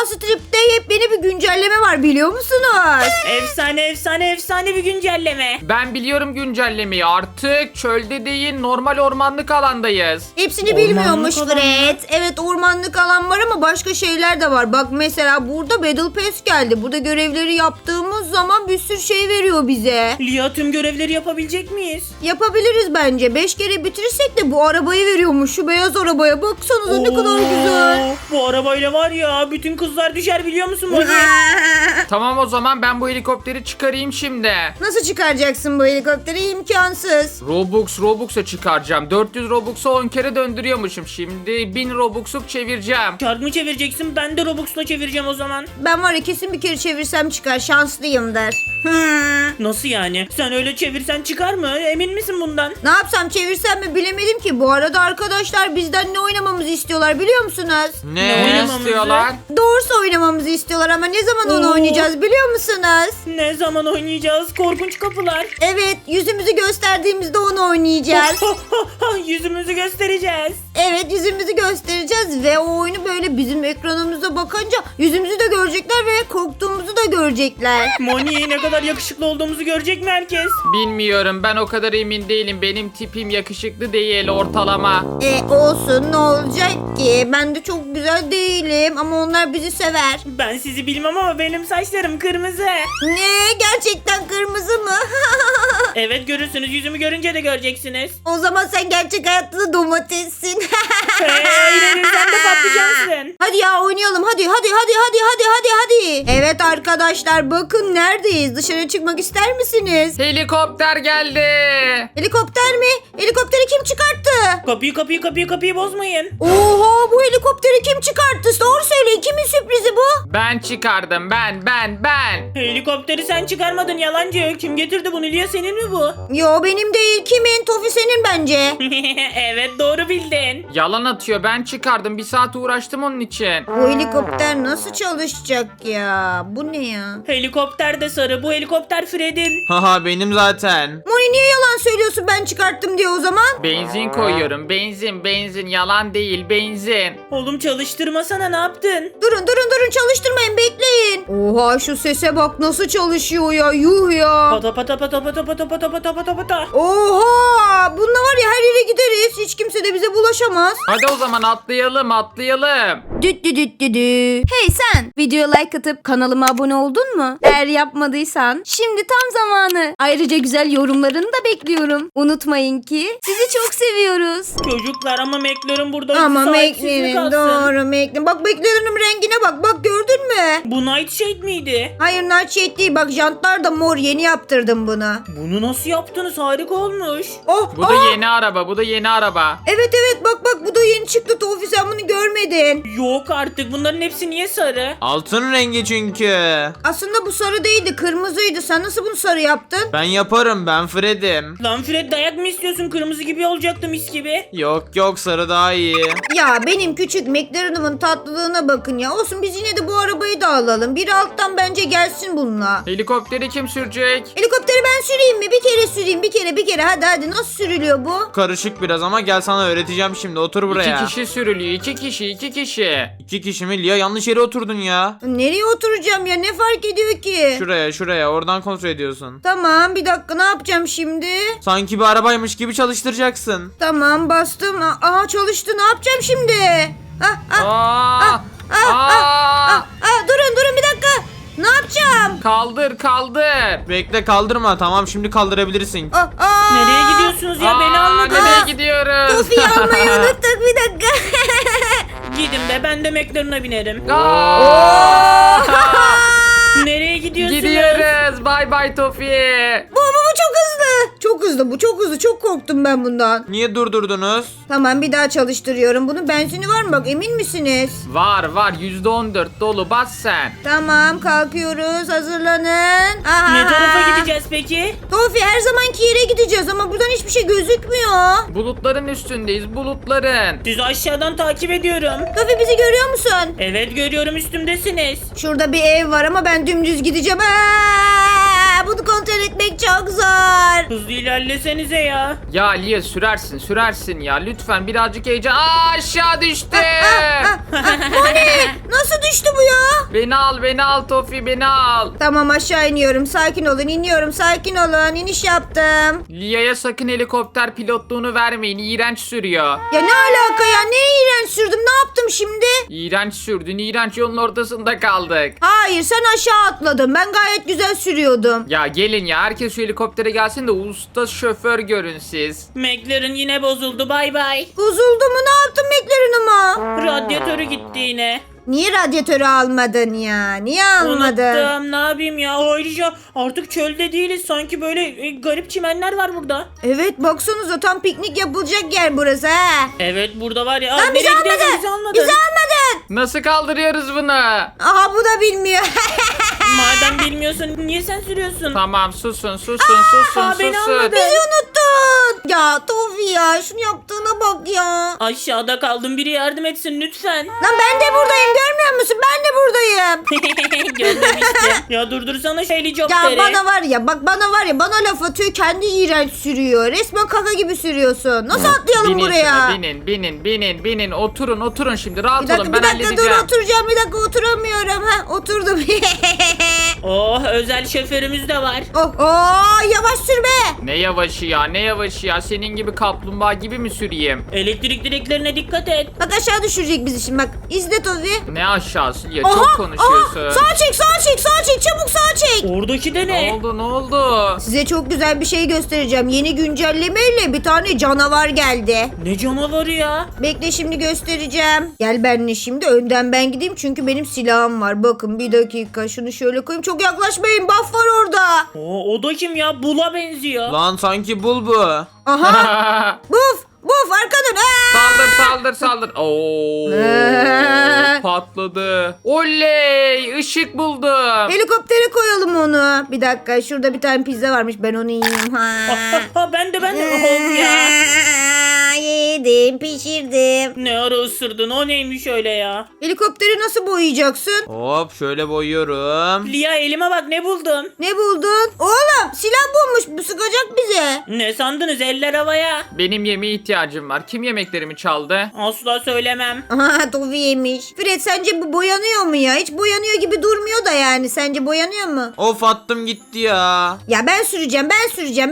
Strip'te yepyeni bir güncelleme var biliyor musunuz? Efsane bir güncelleme. Ben biliyorum güncellemeyi. Artık çölde değil normal ormanlık alandayız. Hepsini Ormanlık bilmiyormuş alan Fred. Evet ormanlık alan var ama başka şeyler de var. Bak mesela burada Battle Pass geldi. Burada görevleri yaptığımız zaman bir sürü şey veriyor bize. Lia tüm görevleri yapabilecek miyiz? Yapabiliriz bence. 5 kere bitirirsek de bu arabayı veriyormuş. Şu beyaz arabaya baksanıza ne kadar güzel. Bu arabayla var ya bütün kızlar düşer biliyor musun Moni? Tamam o zaman ben bu helikopteri çıkarayım şimdi. Nasıl çıkaracaksın bu helikopteri? İmkansız. Robux'a çıkaracağım. 400 Robux'a 10 kere döndürüyormuşum. Şimdi 1000 Robux'luk çevireceğim. Kart mı çevireceksin? Ben de Robux'la çevireceğim o zaman. Ben var ya kesin bir kere çevirsem çıkar. Şanslıyımdır. Nasıl yani? Sen öyle çevirsen çıkar mı? Emin misin bundan? Ne yapsam çevirsem mi bilemedim ki. Bu arada arkadaşlar bizden ne oynamamızı istiyorlar biliyor musunuz? Ne oynamamızı? istiyorlar? Doğrusu oynamamızı istiyorlar ama ne zaman onu Oo. oynayacağız biliyor musunuz? Ne zaman oynayacağız? Korkunç kapılar. Evet yüzümüzü gösterdiğimizde onu oynayacağız. Yüzümüzü göstereceğiz. Evet yüzümüzü göstereceğiz ve o oyunu böyle bizim ekranımıza bakınca yüzümüzü de görecekler ve korktuğumuzu da görecekler. Moni ne kadar yakışıklı olduğumuzu görecek mi herkes? Bilmiyorum ben o kadar emin değilim. Benim tipim yakışıklı değil ortalama. Olsun ne olacak ki? Ben de çok güzel değilim ama onlar bizi sever. Ben sizi bilmem ama benim saçlarım kırmızı. Ne? Gerçekten kırmızı mı? Evet görürsünüz, yüzümü görünce de göreceksiniz. O zaman sen gerçek hayatta da domatessin. Hayır sen de patlıcansın. Hadi ya oynayalım hadi. Evet arkadaşlar bakın neredeyiz? Dışarı çıkmak ister misiniz? Helikopter geldi. Helikopter mi? Helikopteri kim çıkarttı? Kapıyı bozmayın. Oha bu helikopteri kim çıkarttı? Doğru söyleyin kimin sürprizi bu? Ben çıkardım ben. Helikopteri sen çıkarmadın yalancı. Kim getirdi bunu? Lia senin mi bu? Yo benim değil kimin? Tofi senin bence. Evet doğru bildin. Yalan atıyor ben çıkardım. Bir saat uğraştım onun için. Bu helikopter nasıl çalışacak ya? Bu ne ya? Helikopter de sarı. Bu helikopter Fred'in. Haha benim zaten. Moni niye yalan söylüyorsun ben çıkarttım diye o zaman? Benzin koyuyorum. Benzin. Yalan değil benzin. Oğlum çalıştırmasana, ne yaptın? Durun çalıştırmayın bekleyin. Oha şu sese bak nasıl çalışıyor ya yuh ya. Pata pata pata pata pata pata pata pata pata. Oha bununla var ya her yere gideriz. Hiç kimse de bize bulaşamaz. Hadi o zaman atlayalım. Düt. Hey sen videoya like atıp kanalıma abone oldun mu? Eğer yapmadıysan şimdi tam zamanı. Ayrıca güzel yorumlarını da bekliyorum. Unutmayın ki sizi çok seviyoruz. Çocuklar ama McLaren burada Ama sahipsiz mi McLaren kalsın? doğru McLaren. Bak McLaren'ın rengine bak gördün mü? Bu Nightshade miydi? Hayır Nightshade değil bak jantlar da mor yeni yaptırdım bunu. Bunu nasıl yaptınız? Harika olmuş. Oh, Bu da yeni araba. Evet bak bu da yeni çıktı Tofi sen bunu görmedin. Yok artık, bunların hepsi niye sarı? Altın rengi çünkü. Aslında bu sarı değildi kırmızıydı. Sen nasıl bunu sarı yaptın? Ben yaparım ben Fred'im. Lan Fred dayak mı istiyorsun? Kırmızı gibi olacaktı mis gibi. Yok sarı daha iyi. Ya benim küçük McLaren'ımın tatlılığına bakın ya. Olsun biz yine de bu arabayı da alalım. Biri alttan bence gelsin bununla. Helikopteri kim sürecek? Helikopteri ben süreyim mi? Bir kere süreyim bir kere. Hadi nasıl sürülüyor bu? Karışık biraz ama gel sana öğreteceğim şimdi otur buraya. 2 kişi sürülüyor. 2 kişi. 2 kişi mi? Lia yanlış yere oturdun ya. Nereye oturacağım ya? Ne fark ediyor ki? Şuraya oradan kontrol ediyorsun. Tamam bir dakika ne yapacağım şimdi? Sanki bir arabaymış gibi çalıştıracaksın. Tamam bastım. Aa çalıştı ne yapacağım şimdi? Durun bir dakika. Ne yapacağım? Kaldır. Bekle kaldırma tamam şimdi kaldırabilirsin. Nereye gidiyorsunuz ya? Beni almadınız. Nereye gidiyoruz? Tofi'yi almayı unuttuk bir dakika. Gidin be, ben de McLaren'a binerim. Nereye gidiyorsunuz? Gidiyoruz. Bye Tofi. Bu çok hızlı. Çok hızlı. Çok korktum ben bundan. Niye durdurdunuz? Tamam bir daha çalıştırıyorum. Bunun benzini var mı bak emin misiniz? Var. %14 dolu. Bas sen. Tamam kalkıyoruz hazırlanın. Ne tarafa gideceğiz peki? Tofi her zamanki yere gideceğiz ama buradan hiçbir şey gözükmüyor. Bulutların üstündeyiz. Bulutların. Sizi aşağıdan takip ediyorum. Tofi bizi görüyor musun? Evet görüyorum, üstümdesiniz. Şurada bir ev var ama ben dümdüz gideceğim. Bunu kontrol etmek çok zor. Hızlı ilerlesenize ya. Ya Lia sürersin ya. Lütfen birazcık heyecan. Aşağı düştü. Moni nasıl düştü bu ya? Beni al Tofi, beni al. Tamam aşağı iniyorum. Sakin olun, iniyorum. Sakin olun. İniş yaptım. Lia'ya sakın helikopter pilotluğunu vermeyin. İğrenç sürüyor. Ya ne alaka ya? Ne iğrenç sürdüm? Ne yaptım şimdi? İğrenç sürdün. İğrenç, yolun ortasında kaldık. Hayır, sen aşağı atladın. Ben gayet güzel sürüyordum. Ya gelin ya, herkes şu helikoptere gelsin de usta şoför görün siz. McLaren yine bozuldu, bay bay. Bozuldu mu? Ne yaptın McLaren'ıma? Radyatörü gitti yine. Niye radyatörü almadın ya? Niye almadın? Unuttum, ne yapayım ya. Ayrıca artık çölde değiliz. Sanki böyle garip çimenler var burada. Evet, baksanıza tam piknik yapılacak yer burası ha. Evet, burada var ya. Lan bizi nereye gidiyorsun? almadın. Bizi almadın. Bizi almadın. Nasıl kaldırıyoruz bunu? Aha bu da bilmiyor. Madem bilmiyorsun niye sen sürüyorsun? Tamam, susun. beni almadı. Bizi unuttun. Ya Tofi ya, şunu yaptığına bak ya. Aşağıda kaldım, biri yardım etsin lütfen. Lan ben de buradayım, görmüyor musun? Ben de buradayım. Gördüm işte. Ya durdursana şu Ya helikopteri. bana var ya, bana laf atıyor, kendi iğrenç sürüyor. Resmen kaka gibi sürüyorsun. Nasıl atlayalım Binin buraya? şuna, binin. Oturun şimdi, rahat Bir dakika, olun, bir ben dakika dur, halledeceğim. oturacağım. Bir dakika, oturamıyorum. Ha, oturdum. Oh, özel şoförümüz de var. Yavaş sürme. Ne yavaşı ya, senin gibi kaplumbağa gibi mi süreyim? Elektrik direklerine dikkat et. Bak aşağı düşürecek bizi şimdi, bak. İzle Tofi. Ne aşağısı ya, çok konuşuyorsun. Sağa çek, çabuk sağa çek. Oradaki de Ne ne? oldu? Size çok güzel bir şey göstereceğim. Yeni güncellemeyle bir tane canavar geldi. Ne canavarı ya? Bekle, şimdi göstereceğim. Gel benimle şimdi, önden ben gideyim çünkü benim silahım var. Bakın bir dakika, şunu şöyle koyayım. Çok yaklaşmayın, buff var orada. O da kim ya? Bula benziyor. Lan sanki bul bu. Aha, buff arka dön. Saldır. Oo, patladı. Oley, ışık buldum. Helikoptere koyalım onu. Bir dakika, şurada bir tane pizza varmış, ben onu yiyeyim. Ben de. Of ya. Yedim, pişirdim. Ne ara ısırdın? O neymiş öyle ya? Helikopteri nasıl boyayacaksın? Hop şöyle boyuyorum. Lia, elime bak, ne buldum? Ne buldun? Oğlum silah bulmuş, bu sıkacak bize. Ne sandınız? Eller havaya. Benim yemeğe ihtiyacım var. Kim yemeklerimi çaldı? Asla söylemem. Aha, Tofi yemiş. Fred, sence bu boyanıyor mu ya? Hiç boyanıyor gibi durmuyor da yani. Sence boyanıyor mu? Of attım gitti ya. Ya ben süreceğim. Ben süreyim.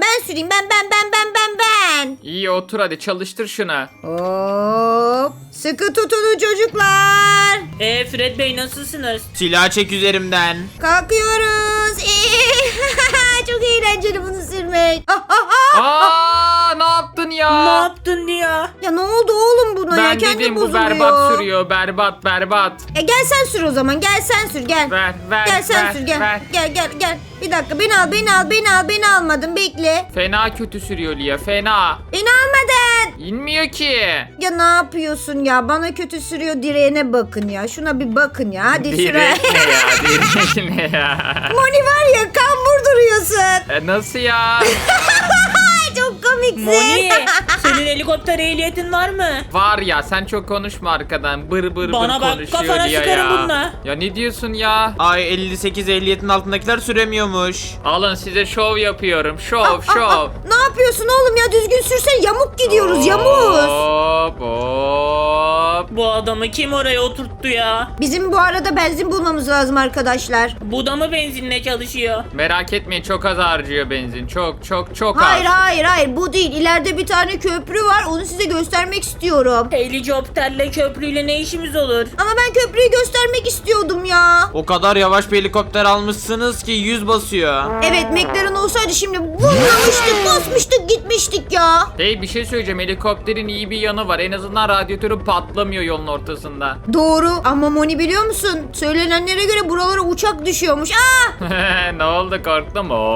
Ben. İyi, otur hadi, çalıştır şunu. Hop. Sıkı tutunun çocuklar. Fred Bey, nasılsınız? Silah çek üzerimden. Kalkıyoruz. Çok eğlenceli bunu sürmek. Aa, ne yaptın Ne ya? yaptın Lia? Ya ne oldu oğlum buna ya? Ben Kendi dedim bu bozuluyor. berbat sürüyor. Berbat. Gel sen sür o zaman. Gel sen sür, gel. Ver. Gel sen sür, gel. ver. Gel. Bir dakika, beni almadın, bekle. Fena kötü sürüyor Lia, fena. Beni almadın. İnmiyor ki. Ya ne yapıyorsun ya? Bana kötü sürüyor, direğine bakın ya. Şuna bir bakın ya. Hadi Direk şuraya. ne ya? Moni var ya, kambur duruyorsun. Nasıl ya? Çok komiksin. Moni, senin helikopter ehliyetin var mı? Var ya, sen çok konuşma arkadan. Bır Bana bak, konuşuyor kafana Lia sıkarım ya. bununla. Ya ne diyorsun ya? Ay 58 ehliyetin altındakiler süremiyormuş. Alın size şov yapıyorum. Şov. Ne yapıyorsun oğlum ya? Düzgün sürsen, yamuk gidiyoruz, yamuk. Hop. Bu adamı kim oraya oturttu ya? Bizim bu arada benzin bulmamız lazım arkadaşlar. Bu da mı benzinle çalışıyor? Merak etmeyin, çok az harcıyor benzin. Çok az. Hayır, bu değil. İleride bir tane köprü var. Onu size göstermek istiyorum. Helikopterle köprüyle ne işimiz olur? Ama ben köprüyü göstermek istiyordum ya. O kadar yavaş bir helikopter almışsınız ki 100 basıyor. Evet, McLaren olsaydı şimdi vurmamıştık, basmıştık, gitmiştik ya. Hey, bir şey söyleyeceğim. Helikopterin iyi bir yanı var. En azından radyatörü patlamıyor yolun ortasında. Doğru ama Moni, biliyor musun? Söylenenlere göre buralara uçak düşüyormuş. Ne oldu, korktun mu?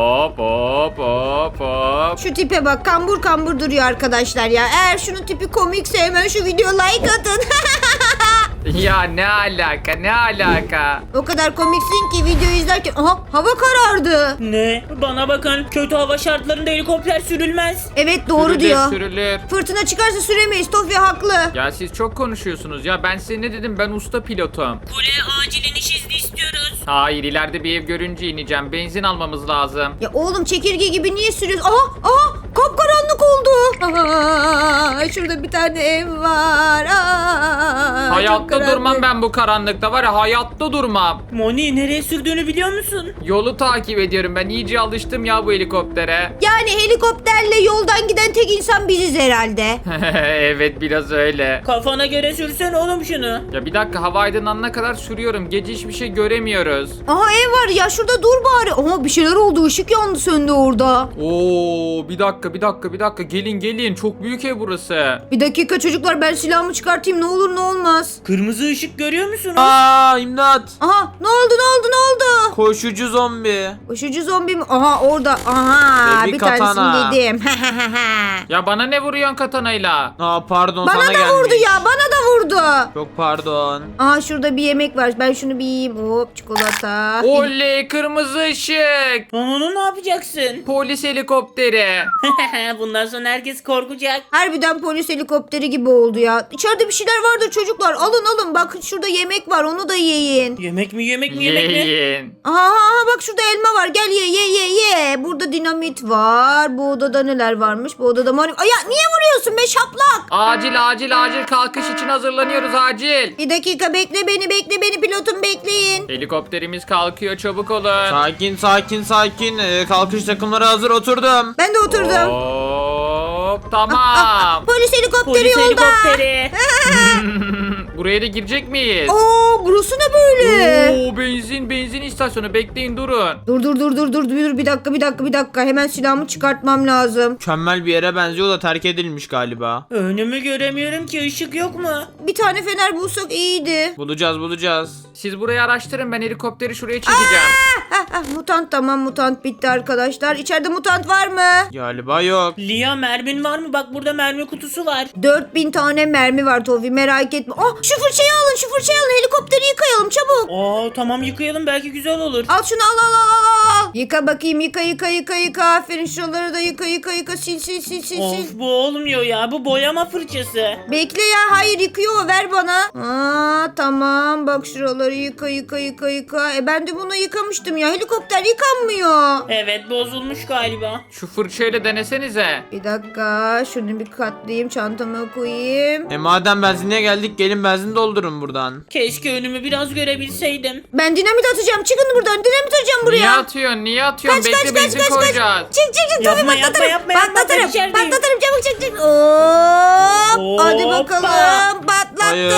Hop. Şu tipe bak, kambur duruyor arkadaşlar ya. Eğer şunun tipi komikse hemen şu video like atın. Ya ne alaka? O kadar komiksin ki video izlerken hava karardı. Ne? Bana bakın, kötü hava şartlarında helikopter sürülmez. Evet, doğru diyor. Sürülür. Fırtına çıkarsa süremeyiz. Tofi haklı. Ya siz çok konuşuyorsunuz ya. Ben size ne dedim? Ben usta pilotum. Kule, acil iniş izni istiyoruz. Hayır, ileride bir ev görünce ineceğim. Benzin almamız lazım. Ya oğlum, çekirge gibi niye sürüyorsun? Aha, kapkaranlık oldu. Şurada bir tane ev var. Çok Hayatta karanlık. durmam ben bu karanlıkta var ya, hayatta durmam. Moni nereye sürdüğünü biliyor musun? Yolu takip ediyorum, ben iyice alıştım ya bu helikoptere. Yani helikopterle yoldan giden tek insan biziz herhalde. Evet, biraz öyle. Kafana göre sürsen oğlum şunu. Ya bir dakika, hava aydınlanana kadar sürüyorum. Gece hiçbir şey göremiyoruz. Aha ev var ya, şurada dur bari. Aha bir şeyler oldu, ışık yandı söndü orada. Oo, bir dakika. Gelin. Çok büyük ev burası. Bir dakika çocuklar, ben silahımı çıkartayım, ne olur ne olmaz. Kırmızı ışık görüyor musunuz? Aa, imdat. Aha ne oldu? Koşucu zombi. Koşucu zombi mi? Aha orada. Aha Ve bir bir katana. tanesini yedim. Ya bana ne vuruyorsun katanayla? Aa, pardon, Bana sana da gelmiş. vurdu ya, bana da vurdu. Çok pardon. Aha şurada bir yemek var, ben şunu bir yiyeyim. Hop, çikolata. Oley, kırmızı ışık. Lan onu ne yapacaksın? Polis helikopteri. Bundan sonra herkes korkacak. Harbiden polis helikopteri gibi oldu ya. İçeride bir şeyler vardı çocuklar. Alın bakın, şurada yemek var, onu da yiyin. Yemek mi? Yiyin. Aha bak şurada elma var, gel ye. Burada dinamit var. Bu odada neler varmış? Bu odada ya niye vuruyorsun be şaplak? Acil kalkış için hazırlanıyoruz, acil. Bir dakika, bekle beni pilotum, bekleyin. Helikopterimiz kalkıyor, çabuk olun. Sakin. Kalkış takımları hazır, oturdum. Ben de oturdum. Hop, tamam. Polis helikopteri Polis yolda. helikopteri. Buraya da girecek miyiz? Oo, burası ne böyle? Oo, benzin istasyonu, bekleyin, durun. Dur bir dakika, hemen silahımı çıkartmam lazım. Mükemmel bir yere benziyor da terk edilmiş galiba. Önümü göremiyorum ki, ışık yok mu? Bir tane fener bulsak iyiydi. Bulacağız. Siz burayı araştırın, ben helikopteri şuraya çekeceğim. Mutant, tamam, mutant bitti arkadaşlar. İçeride mutant var mı? Galiba yok. Lia, mermin var mı? Bak burada mermi kutusu var. 4000 tane mermi var Tofi, merak etme. Şu fırçayı alın, helikopteri yıkayalım çabuk. Tamam, yıkayalım, belki güzel olur. Al şunu, al. Yıka bakayım, yıka. Aferin, şuraları da yıka. Sil. Of, bu olmuyor ya, bu boyama fırçası. Bekle ya, hayır, yıkıyor, ver bana. Tamam, bak şuraları yıka. Ben de bunu yıkamıştım ya, helikopter yıkanmıyor. Evet, bozulmuş galiba. Şu fırçayla denesenize. Bir dakika, şunu bir katlayayım, çantama koyayım. Madem benzinliğe geldik, gelin benzin doldurun buradan. Keşke önümü biraz görebilseydim. Ben dinamit atacağım, çıkın buradan, dinamit atacağım buraya. Niye atıyorsun? Bekle, benzin koyacağız. Çık Yapma, Tofi, patlatırım. yapma, Patlatırım, ben içerideyim. çabuk çık. Hop. Hadi Hoppa. bakalım, patlattım.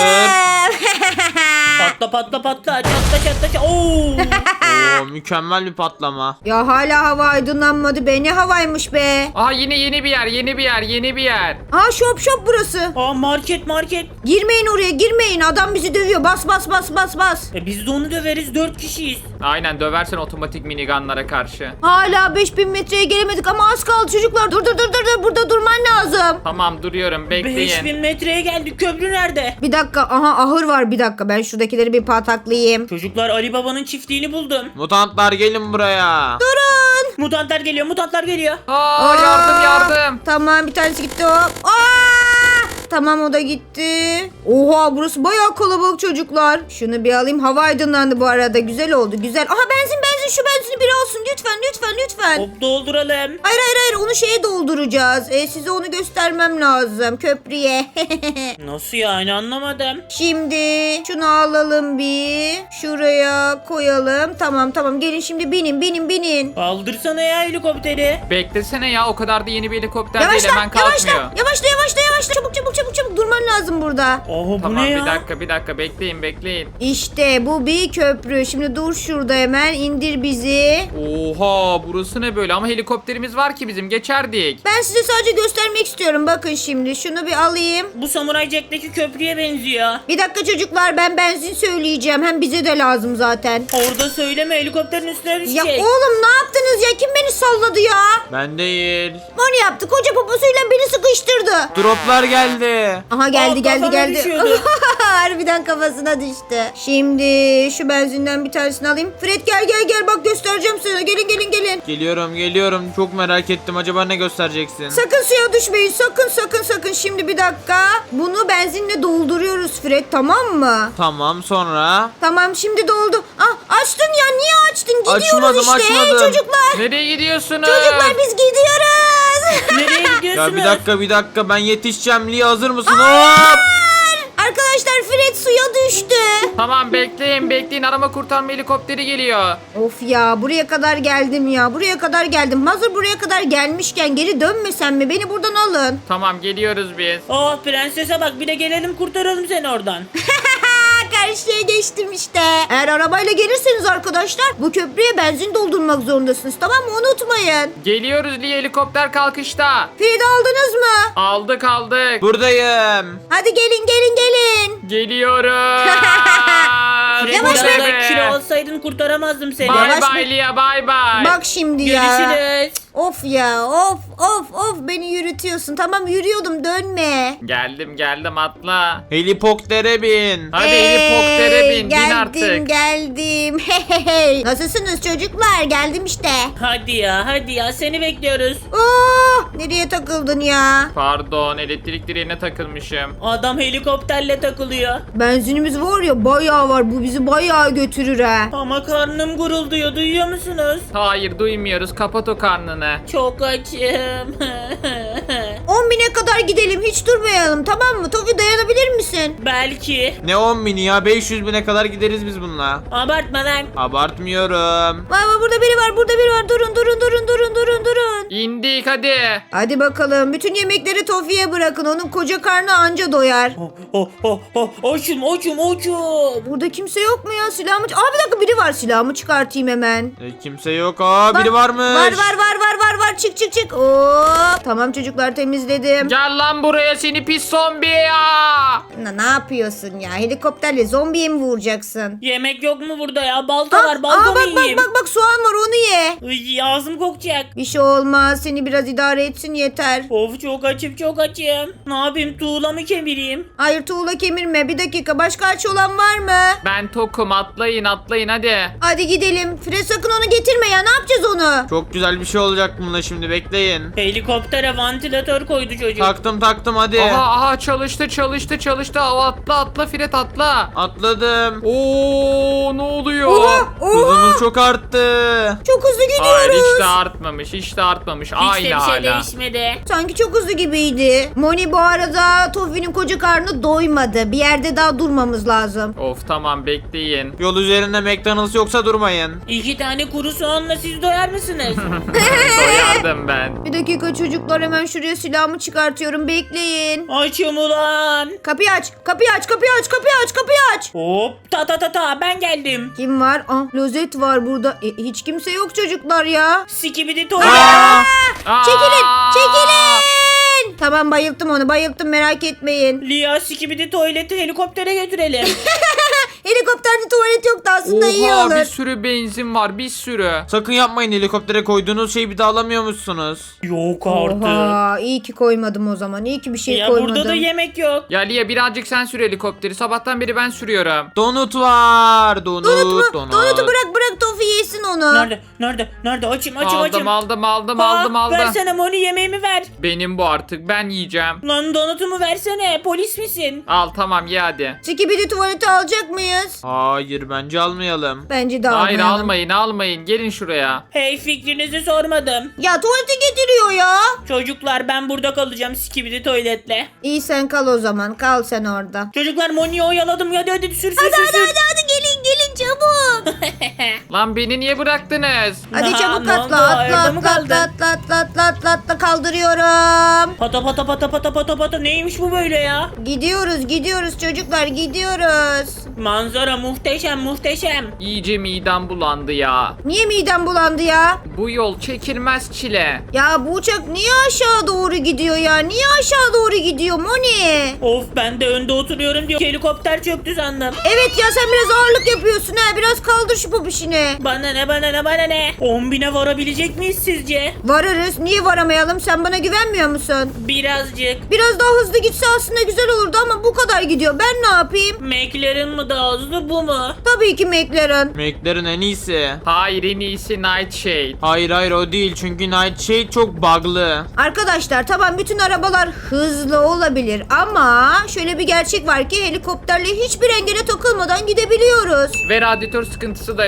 Patla. Çatla. Oo. Oo, mükemmel bir patlama. Ya hala hava aydınlanmadı be, ne havaymış be. Aha, yine yeni bir yer. Aha shop burası. Market. Girmeyin oraya, girmeyin, adam bizi dövüyor, bas. Biz de onu döveriz, 4 kişiyiz. Aynen, döversen otomatik minigunlara karşı. Hala 5000 metreye gelemedik ama az kaldı çocuklar. Dur, burada durman lazım. Tamam, duruyorum, bekleyin. 5000 metreye geldik, köprü nerede? Bir dakika, aha ahır var, bir dakika, ben şuradakileri bir pataklayayım. Çocuklar, Ali Baba'nın çiftliğini buldum. Mutantlar gelin buraya. Mutantlar geliyor. Aa, yardım. Tamam, bir tanesi gitti, hop. Tamam, o da gitti. Oha, burası bayağı kalabalık çocuklar. Şunu bir alayım, hava aydınlandı bu arada, güzel oldu, güzel. Aha benzin, şu benzini biri alsın lütfen. Hop, dolduralım. Hayır, onu şeye dolduracağız. Size onu göstermem lazım, köprüye. Nasıl yani, anlamadım. Şimdi şunu alalım bir. Şuraya koyalım. Tamam, gelin şimdi binin. Kaldırsana ya helikopteri. Beklesene ya, o kadar da yeni bir helikopter değil, hemen kalkmıyor. Yavaşla. Çabuk durman lazım burada. Bu Tamam, ne ya? bir dakika, bekleyin. İşte bu bir köprü. Şimdi dur şurada, hemen indir bizi. Oha, burası ne böyle, ama helikopterimiz var ki bizim, geçerdik. Ben size sadece göstermek istiyorum. Bakın şimdi, şunu bir alayım. Bu Samurai Jack'teki köprüye benziyor. Bir dakika çocuklar, ben benzin söyleyeceğim. Hem bize de lazım zaten. Orada söyleme, helikopterin üstüne Ya düşecek. oğlum, ne yaptınız ya? Kim beni salladı ya? Ben değil. Onu yaptı. Koca poposuyla beni sıkıştırdı. Droplar geldi. Aha geldi. Kafama düşüyordu. Harbiden kafasına düştü. Şimdi şu benzinden bir tanesini alayım. Fred gel bak, göstereceğim sana. Gelin. Geliyorum. Çok merak ettim. Acaba ne göstereceksin? Sakın suya düşmeyin. Sakın. Şimdi bir dakika. Bunu benzinle dolduruyoruz Fred, tamam mı? Tamam, sonra? Tamam, şimdi doldu. Açtın ya, niye açtın? Gidiyoruz Açmadım. işte. Çocuklar. Nereye gidiyorsunuz? Çocuklar biz gidiyoruz. Nereye gidiyorsunuz? Ya bir dakika ben yetişeceğim. Lia hazır mısın? Hop! Arkadaşlar Fred suya düştü. Tamam bekleyin arama kurtarma helikopteri geliyor. Of ya buraya kadar geldim ya. Buraya kadar geldim. Hazır buraya kadar gelmişken geri dönmesem mi? Beni buradan alın. Tamam geliyoruz biz. Oh prensese bak, bir de gelelim kurtaralım seni oradan. Karşıya geçtim işte. Eğer arabayla gelirseniz arkadaşlar bu köprüye benzin doldurmak zorundasınız. Tamam mı? Unutmayın. Geliyoruz Lia, helikopter kalkışta. Fred'i aldınız mı? Aldık. Buradayım. Hadi gelin. Geliyoruz. Fred, Yavaş biraz be. daha kilo olsaydın kurtaramazdım seni. Bye Yavaş bye Lia, bye bye. Bak şimdi ya. Görüşürüz. Of ya of beni yürütüyorsun. Tamam yürüyordum dönme. Geldim atla. Helikoptere bin. Hadi helikoptere bin Geldim artık. Hey. Nasılsınız çocuklar? Geldim işte. Hadi ya seni bekliyoruz. Nereye takıldın ya? Pardon, elektrik direğine takılmışım. Adam helikopterle takılıyor. Benzinimiz var ya bayağı var. Bu bizi bayağı götürür ha. Ama karnım gurulduyor, duyuyor musunuz? Hayır duymuyoruz, kapat o karnını. Çok açım. 10.000'e kadar gidelim. Hiç durmayalım tamam mı? Tofi dayanabilir misin? Belki. Ne 10 bini ya? 500 bine kadar gideriz biz bununla. Abartma lan. Abartmıyorum. Baba burada biri var. Durun. İndik hadi. Hadi bakalım. Bütün yemekleri Tofi'ye bırakın. Onun koca karnı anca doyar. Açım. Burada kimse yok mu ya? Silahımı... bir dakika biri var. Silahımı çıkartayım hemen. Kimse yok. Biri varmış. Var. Çık. Hop. Tamam çocuklar temizledim. Gel lan buraya seni pis zombi ya. Ne yapıyorsun ya? Helikopterle zombiye mi vuracaksın? Yemek yok mu burada ya? Balta var, balta mı yiyeyim? Bak soğan var onu ye. Iy, ağzım kokacak. Bir şey olmaz. Seni biraz idare etsin yeter. Of çok açım. Ne yapayım, tuğla mı kemireyim? Hayır tuğla kemirme. Bir dakika. Başka aç olan var mı? Ben tokum, atlayın hadi. Hadi gidelim. Fred sakın onu getirme ya. Ne yapacağız onu? Çok güzel bir şey olacak bununla şimdi bekleyin. Helikoptere vantilatör koydu çocuk. Taktım hadi. Aha çalıştı. Atla Fred atla. Atladım. Oo ne oluyor? Oha. Hızımız çok arttı. Çok hızlı Hayır gidiyoruz. hiç de artmamış. Hiç de Aynı bir şey hala. değişmedi. Sanki çok hızlı gibiydi. Moni bu arada Tofi'nin koca karnı doymadı. Bir yerde daha durmamız lazım. Of tamam bekleyin. Yol üzerinde McDonald's yoksa durmayın. 2 tane kuru soğanla siz doyar mısınız? Doyardım ben. Bir dakika çocuklar hemen şuraya silahımı çıkartıyorum. Bekleyin. Açım ulan. Kapıyı aç. Hop ta ben geldim. Kim var? Lozet var burada. Hiç kimse yok çocuklar ya. Sikibidi tuvalet. Aa! Çekilin. Tamam bayılttım merak etmeyin. Lia sikibidi tuvaleti helikoptere götürelim. Helikopterde tuvalet yoktu aslında iyi Oha olur. bir sürü benzin var, bir sürü. Sakın yapmayın, helikoptere koyduğunuz şeyi bir daha alamıyormuşsunuz. Yok artık. Oha iyi ki koymadım o zaman. İyi ki bir şey Ya koymadım. burada da yemek yok. Ya Lia birazcık sen sür helikopteri. Sabahtan beri ben sürüyorum. Donut var. Donut. Donut'u bırak Tofi yesin onu. Nerede? Açım. Aldım. Versene Moni, yemeğimi ver. Benim bu artık, ben yiyeceğim. Lan donutumu versene. Polis misin? Al tamam ye hadi. Skibidi tuvaleti alacak mıyız? Hayır bence almayalım. Bence de Hayır almayalım. almayın. Gelin şuraya. Hey, fikrinizi sormadım. Ya tuvalete getiriyor ya. Çocuklar ben burada kalacağım sikibidi tuvaletle. İyi sen kal o zaman. Kal sen orada. Çocuklar Moni'yi oyaladım. Hadi sür. Hadi gelin çabuk. Lan beni niye bıraktınız? Hadi çabuk Ne oldu? Evde mi kaldın? atla kaldırıyorum. Pata neymiş bu böyle ya? Gidiyoruz çocuklar gidiyoruz. Manzara muhteşem. İyice midem bulandı ya. Niye midem bulandı ya? Bu yol çekilmez çile. Ya bu uçak niye aşağı doğru gidiyor ya? Niye aşağı doğru gidiyor Moni? Of, ben de önde oturuyorum diyor. Helikopter çöktü sandım. Evet ya sen biraz ağırlık yapıyorsun ha. Biraz kaldır şu popişini. Bana ne 10.000'e varabilecek miyiz sizce? Varırız. Niye varamayalım? Sen bana güvenmiyor musun? Birazcık. Biraz daha hızlı gitse aslında güzel olurdu ama bu kadar gidiyor. Ben ne yapayım? McLaren mı daha hızlı, bu mu? Tabii ki McLaren. McLaren en iyisi. Hayır en iyisi Nightshade. Hayır o değil çünkü Nightshade çok bug'lı. Arkadaşlar tamam bütün arabalar hızlı olabilir ama şöyle bir gerçek var ki helikopterle hiçbir engele takılmadan gidebiliyoruz. Ve radyatör sıkıntısı da yok.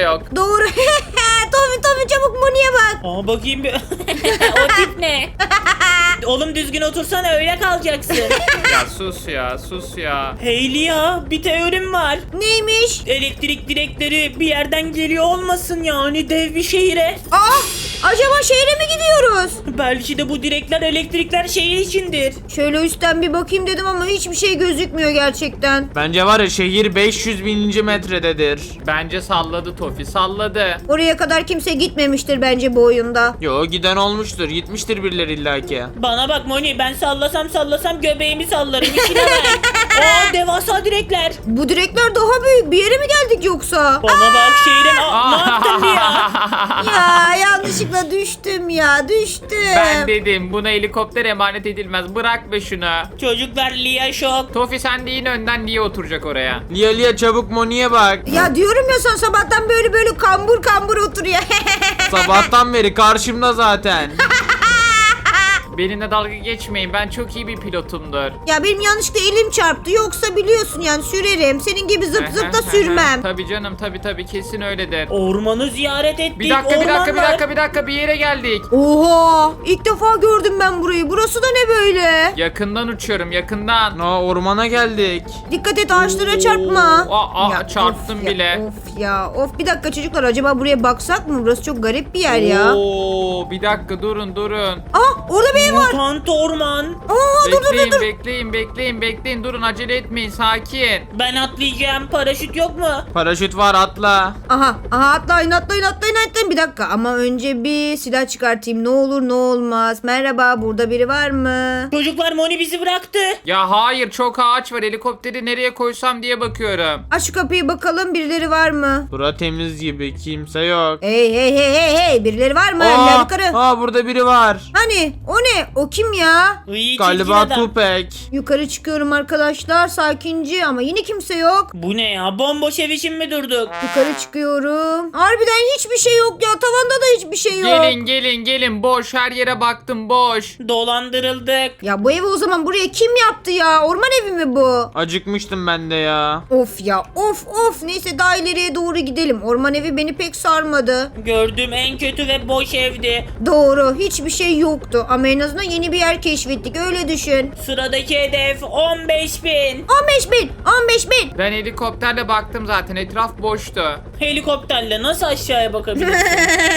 doğru. Tofi çabuk Moni'ye bak. Aa bakayım bir. O tip ne? Oğlum düzgün otursana, öyle kalacaksın. Ya sus ya, sus ya. Heylia, bir teorim var. Neymiş? Elektrik direkleri bir yerden geliyor olmasın, yani dev bir şehire. Acaba şehre mi gidiyoruz? Belki de bu direkler, elektrikler şehir içindir. Şöyle üstten bir bakayım dedim ama hiçbir şey gözükmüyor gerçekten. Bence var ya şehir 500.000. metrededir. Bence salladı Tofi, salladı. Oraya kadar kimse gitmemiştir bence bu oyunda. Yo giden olmuştur. Gitmiştir birileri illaki. Bana bak Moni, ben sallasam göbeğimi sallarım. İçine bak. Aa, devasa direkler. Bu direkler daha büyük. Bir yere mi geldik yoksa? Bana bak şehrin. Ne yaptın bir ya? Ya yanlışlıkla düştüm ya. Düştüm. Ben dedim buna helikopter emanet edilmez. Bırak be şunu. Çocuklar, Lia şok. Tofi sen de yine önden niye oturacak oraya? Lia çabuk Moni'ye bak. Ya diyorum ya sen sabahtan böyle kambur oturuyor. Sabahtan beri karşımda zaten. Benimle dalga geçmeyin, ben çok iyi bir pilotumdur. Ya benim yanlışlıkla elim çarptı. Yoksa biliyorsun yani sürerim. Senin gibi zıp zıp da sürmem. Tabii canım, tabii kesin öyledir. Ormanı ziyaret ettik. Bir dakika orman var. bir yere geldik. Oha! İlk defa gördüm ben burayı. Burası da ne böyle? Yakından uçuyorum, yakından. Ormana geldik. Dikkat et ağaçlara çarpma. Ya, çarptım of bile. Of bir dakika çocuklar, acaba buraya baksak mı? Burası çok garip bir yer ya. Oo, bir dakika durun. Orada bir ev var. Mutant orman. Dur. Bekleyin, durun, acele etmeyin, sakin. Ben atlayacağım. Paraşüt yok mu? Paraşüt var, atla. Aha atlayın. Bir dakika ama önce bir silah çıkartayım. Ne olur ne olmaz. Merhaba, burada biri var mı? Çocuklar, Moni bizi bıraktı. Ya hayır, çok ağaç var, helikopteri nereye koysam diye bakıyorum. Aç şu kapıyı bakalım, birileri var mı? Bura temiz gibi, kimse yok. Hey, birileri var mı? Gel yukarı. Burada biri var. Hani o ne? O kim ya? İyi, Galiba çirkin adam. Tupek. Yukarı çıkıyorum arkadaşlar, sakince ama yine kimse yok. Bu ne ya? Bomboş ev için mi durduk? Yukarı çıkıyorum. Harbiden hiçbir şey yok ya. Tavanda da hiçbir şey yok. Gelin, boş, her yere baktım, boş. Dolandırıldık. Ya bu evi o zaman buraya kim yaptı ya? Orman evi mi bu? Acıkmıştım ben de ya. Of ya of. Neyse daha ileriye doğru gidelim. Orman evi beni pek sarmadı. Gördüğüm en kötü ve boş evdi. Doğru, hiçbir şey yoktu. Ama en azından yeni bir yer keşfettik, öyle düşün. Sıradaki hedef 15.000. 15.000. Ben helikopterle baktım zaten, etraf boştu. Helikopterle nasıl aşağıya bakabilirsin?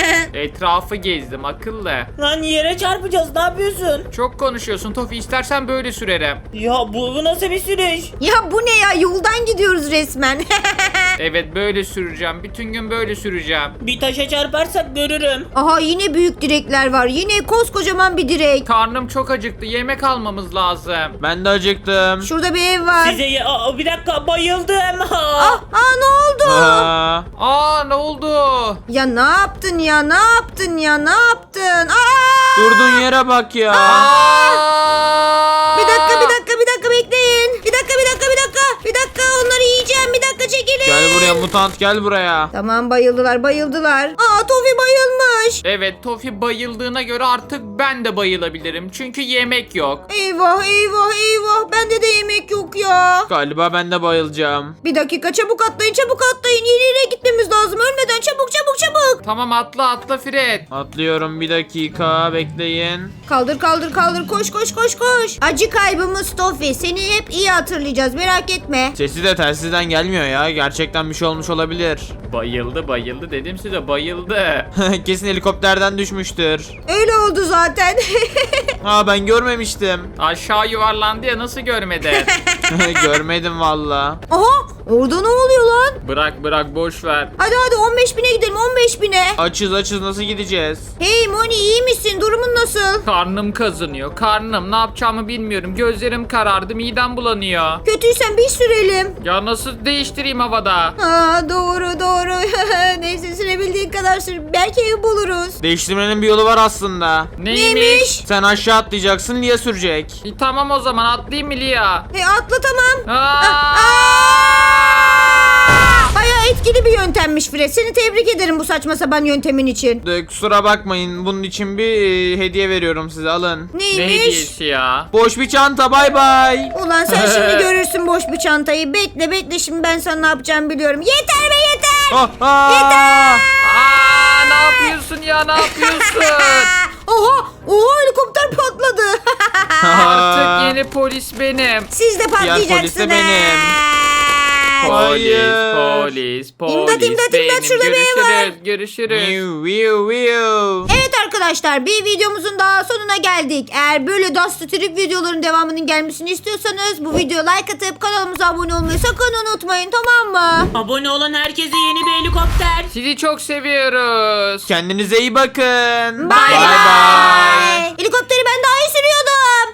Etrafı gezdim, akıllı. Lan yere çarpacağız, ne yapıyorsun? Çok konuşuyorsun Tofi, istersen böyle sürerim. Ya bu nasıl bir sürüş? Ya bu ne ya? Yoldan gidiyoruz resmen. Evet, böyle süreceğim, bütün gün böyle süreceğim. Bir taşa çarparsak görürüm. Aha yine büyük direkler var. Yine koskocaman bir direk. Karnım çok acıktı, yemek almamız lazım. Ben de acıktım. Şurada bir ev var. Bir dakika, bayıldım. Ne oldu? Aa, Ne oldu? Ya ne yaptın ya? durduğun yere bak ya. Bir dakika bekleyin. Bir dakika onları yiyeceğim. Bir dakika çekilin. Gel buraya mutant, gel buraya. Tamam, bayıldılar. Tofi bayılmış. Evet, Tofi bayıldığına göre artık ben de bayılabilirim. Çünkü yemek yok. Eyvah. Bende de yemek yok ya. Galiba ben de bayılacağım. Bir dakika, çabuk atlayın. Yeni yere gitmemiz lazım. Ölmeden çabuk. Tamam, atla Fred. Atlıyorum, bir dakika bekleyin. Kaldır. Koş. Acı kaybımız Tofi. Seni hep iyi hatırlayacağız. Merak etme. Sesi de telsizden gelmiyor ya. Gerçekten bir şey olmuş olabilir. Bayıldı dedim size, bayıldı. Kesin helikopterden düşmüştür. Öyle oldu zaten. Ben görmemiştim. Aşağı yuvarlandı ya, nasıl görmedin? Görmedim valla. Aha, orada ne oluyor lan? Bırak, boş ver. Hadi 15.000'e gidelim, 15.000'e. Açız, nasıl gideceğiz? Hey Moni, iyi misin? Durumun nasıl? Karnım kazınıyor, ne yapacağımı bilmiyorum. Gözlerim karardı, midem bulanıyor. Kötüysen bir sürelim. Ya nasıl değiştireyim havada? Doğru. Neyse, sürebildiğin kadar sür. Belki ev buluruz. Değiştirmenin bir yolu var aslında. Neymiş? Sen aşağı atlayacaksın, Lia sürecek. Tamam, o zaman atlayayım mı Lia? Hey, atla tamam. Aa! Bayağı etkili bir yöntemmiş Fred. Seni tebrik ederim bu saçma sapan yöntemin için. Kusura bakmayın, bunun için bir hediye veriyorum size, alın. Ne Neymiş? hediyesi ya? Boş bir çanta, bay bay. Ulan sen şimdi görürsün boş bir çantayı. Bekle şimdi ben sana ne yapacağım biliyorum. Yeter be yeter. Yeter. ya ne yapıyorsun? Oha helikopter patladı. Artık yeni polis benim. Siz de patlayacaksınız. polis de benim. Hayır. Polis. İmdat, imdat, benim. şurada biri var. Görüşürüz. Viu, viu, viu. Evet arkadaşlar bir videomuzun daha sonuna geldik. Eğer böyle Dust Trip videoların devamının gelmesini istiyorsanız bu videoya like atıp kanalımıza abone olmayı sakın unutmayın, tamam mı? Abone olan herkese yeni bir helikopter. Sizi çok seviyoruz. Kendinize iyi bakın. Bye bye. bye. Helikopter